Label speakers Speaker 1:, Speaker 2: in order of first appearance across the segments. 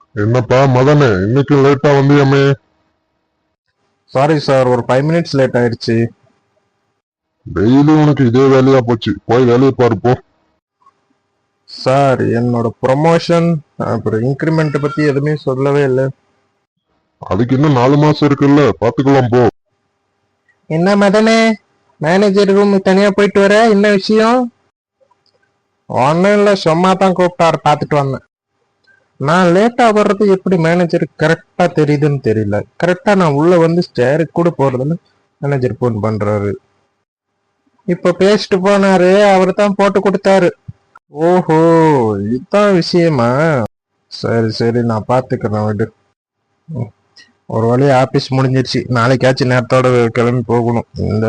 Speaker 1: என்னப்பா மதனே, இன்னைக்கு லேட்டா வந்தியாமே?
Speaker 2: சாரி சார், ஒரு 5 மினிட்ஸ் லேட் ஆயிடுச்சு.
Speaker 1: டெய்லி உனக்கு இதே வேலையா போச்சு. போய் வேலையை பாரு போ.
Speaker 2: சார், என்னோட ப்ரொமோஷன் அப்புறம் இன்க்ரிமெண்ட் பத்தி எதுவுமே சொல்லவே இல்லை.
Speaker 1: அதுக்கு இன்னும் 4 மாசம் இருக்குல்ல, பாத்துக்கலாம் போ.
Speaker 2: என்ன மதனே, மேனேஜர் ரூம் தனியா போயிட்டு வர, என்ன விஷயம்? ஒன்னும் இல்லை, சும்மா தான் கூப்பிட்டாரு, பார்த்துட்டு வந்தேன். நான் லேட்டா வர்றது எப்படி மேனேஜருக்கு கரெக்டா தெரியுதுன்னு தெரியல. கரெக்டா நான் உள்ள வந்து ஸ்டேருக்கு கூட போறதுன்னு மேனேஜர் போன் பண்றாரு. இப்ப பேசிட்டு போனாரு, அவரு தான் போட்டு கொடுத்தாரு. ஓஹோ, இதுதான் விஷயமா? சரி சரி, நான் பாத்துக்கிறேன் விடு. ஒரு வழியா ஆபீஸ் முடிஞ்சிருச்சு. நாளைக்காச்சும் நேரத்தோட கிளம்பி போகணும்.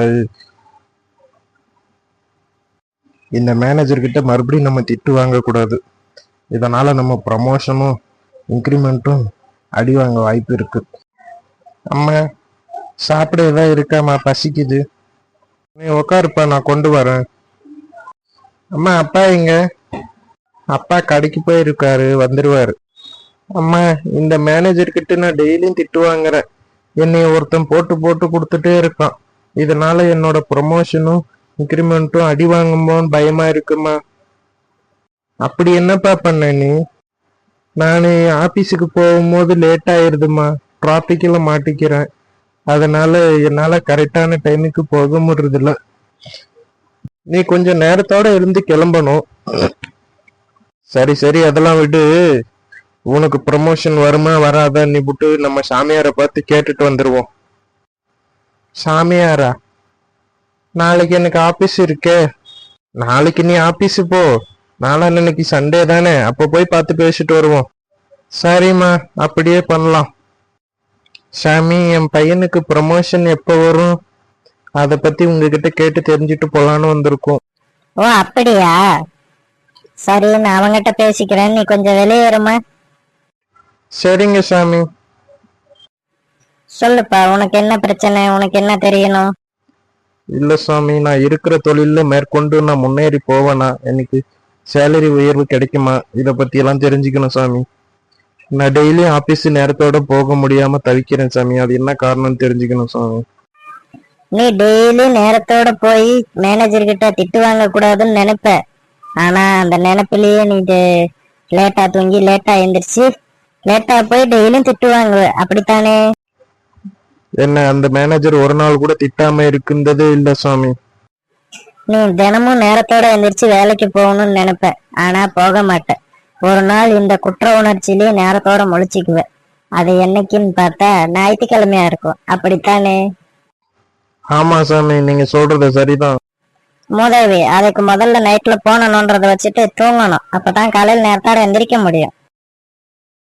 Speaker 2: இந்த மேனேஜர் கிட்ட மறுபடியும் நம்ம திட்டு வாங்க கூடாது. இதனால நம்ம ப்ரமோஷனும் இன்க்ரிமெண்ட்டும் அடி வாங்க வாய்ப்பு இருக்கு. அம்மா, சாப்பிட ஏதாவது இருக்காமா? பசிக்குது. நீ உக்காருப்பா, நான் கொண்டு வரேன். அம்மா, அப்பா எங்க? அப்பா கடைக்கு போயிருக்காரு, வந்துருவாரு. அம்மா, இந்த மேனேஜர் கிட்ட நான் டெய்லியும் திட்டு வாங்குறேன். என்னை ஒருத்தன் போட்டு போட்டு கொடுத்துட்டே இருக்கான். இதனால என்னோட ப்ரொமோஷனும் இன்க்ரிமெண்ட்டும் அடி வாங்குமோன்னு பயமா இருக்குமா. அப்படி என்னப்பா பண்ண நீ? நான் ஆபீஸுக்கு போகும்போது லேட் ஆயிருதுமா, டிராபிக்ல மாட்டிக்கிறேன். அதனால என்னால கரெக்டான டைமுக்கு போக முடியறதில்ல. நீ கொஞ்சம் நேரத்தோட இருந்து கிளம்பணும். சரி சரி, அதெல்லாம் விடு. உனக்கு ப்ரமோஷன் வருமா வராதா நீ விட்டு நம்ம சாமியாரை பார்த்து கேட்டுட்டு வந்துருவோம். சாமியாரா? நாளைக்கு எனக்கு ஆபீஸ் இருக்கே. நாளைக்கு நீ ஆபீஸ் போ. நாளைக்கு சண்டே தானே, அப்ப போய் பார்த்து பேசிட்டு வருவோம். சரிம்மா, அப்படியே பண்ணலாம். சாமி, என் பையனுக்கு ப்ரமோஷன் எப்போ வரும்? அத பத்தி உங்ககிட்ட கேட்டு தெரிஞ்சுட்டு போலான்னு வந்திருக்கோம்.
Speaker 3: ஓ அப்படியா? சரி, நான் அவங்கிட்ட பேசிக்கிறேன், நீ கொஞ்சம் வெளியேறுமா.
Speaker 2: சரிங்க சாமி.
Speaker 3: சொல்லுப்பா, உனக்கு என்ன பிரச்சனை? உனக்கு என்ன தெரியணும்?
Speaker 2: இல்ல சாமி, நான் இருக்கிற தொழில மேற்கொண்டு நான் முன்னேறி போவேனா, எனக்கு சேலரி உயர்வு கிடைக்குமா, இத பத்தி எல்லாம் தெரிஞ்சுக்கணும் சாமி. நான் டெய்லியும் ஆபீஸ் நேரத்தோட போக முடியாம தவிக்கிறேன் சாமி. அது என்ன காரணம்னு தெரிஞ்சுக்கணும் சாமி.
Speaker 3: நீ டெய்லி நேரத்தோட போய் மேனேஜர் கிட்ட திட்டு வாங்க கூடாதுன்னு நினைப்ப. ஆனா அந்த நினைப்பிலேயே நீ லேட்டா தூங்கி லேட்டா எந்திரிச்சு லேட்டா போய் டெய்லியும் திட்டு வாங்குவ, அப்படித்தானே?
Speaker 2: என்ன அந்த மேனேஜர் ஒரு நாள் கூட திட்டாம இருக்குந்ததே இல்ல சாமி.
Speaker 3: நீ தினமும் நேரத்தோட எந்திரிச்சு வேலைக்கு போகணும்னு நினைப்ப, ஆனா போக மாட்ட. ஒரு நாள் இந்த குற்ற உணர்ச்சியிலேயே நேரத்தோட முழிச்சுக்குவ. அது என்னைக்குன்னு பார்த்தா ஞாயிற்றுக்கிழமையா இருக்கும், அப்படித்தானே?
Speaker 2: ஆமா சாமி, நீங்க சொல்றது சரிதான்.
Speaker 3: முதவி அதுக்கு முதல்ல நைட்ல போனணும்ன்றத வச்சுட்டு தூங்கணும். அப்பதான் காலையில் நேரத்தோட எந்திரிக்க முடியும்.